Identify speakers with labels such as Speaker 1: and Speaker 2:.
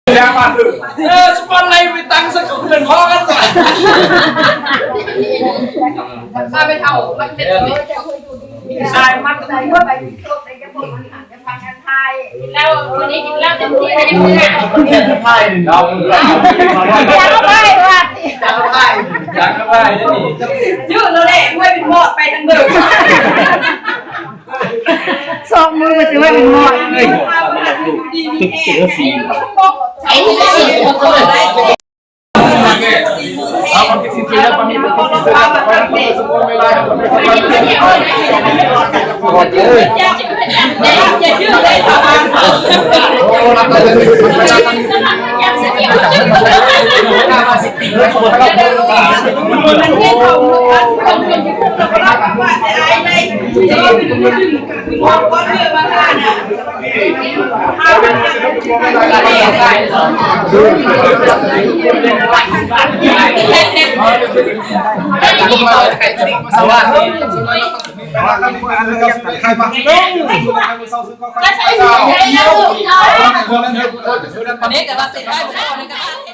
Speaker 1: ยามาสปอนไลน์ไปตั้งสักคนเป็นพ่อกันก่อน
Speaker 2: มาไปเท่ามันเป็น
Speaker 1: ใช่มัด
Speaker 2: ใจว่าไปทุกในจะพูดมันอาจจะฟังกันไทยแล้ววันนี้กินแล้วเต็มที่เลย
Speaker 1: จะไพ่เรา
Speaker 2: อยากไปว่ะ
Speaker 1: อยากไปนี่
Speaker 2: ยืดเราแหละไม่เป็นหมดไปทั้งเดิม
Speaker 3: สองมือมันจะไม่เป็นหมดเลย
Speaker 2: ดีมีแห่ใช้ที่ได้
Speaker 1: เอาความคิดสิ่งที่แล้วความมีเป็นความเป็นสมบูรณ์ไม่ได้ครับไม่สามารถ
Speaker 2: อย่ายืดเลยค่ะ
Speaker 1: โอ้รับได้เลยไม่ได้ตั้ง
Speaker 2: ยังเสียมันเที่ยวคนที่พูดเราก็รับว่าจะได้ไหมจะว่าเป็นเรื่องมองก้อนเรื่องมาทานอ่ะเอาไป
Speaker 1: สวัสดี
Speaker 2: ก็ใช้ใช้แล้วอันนี้แต่ว่าเสร็จได้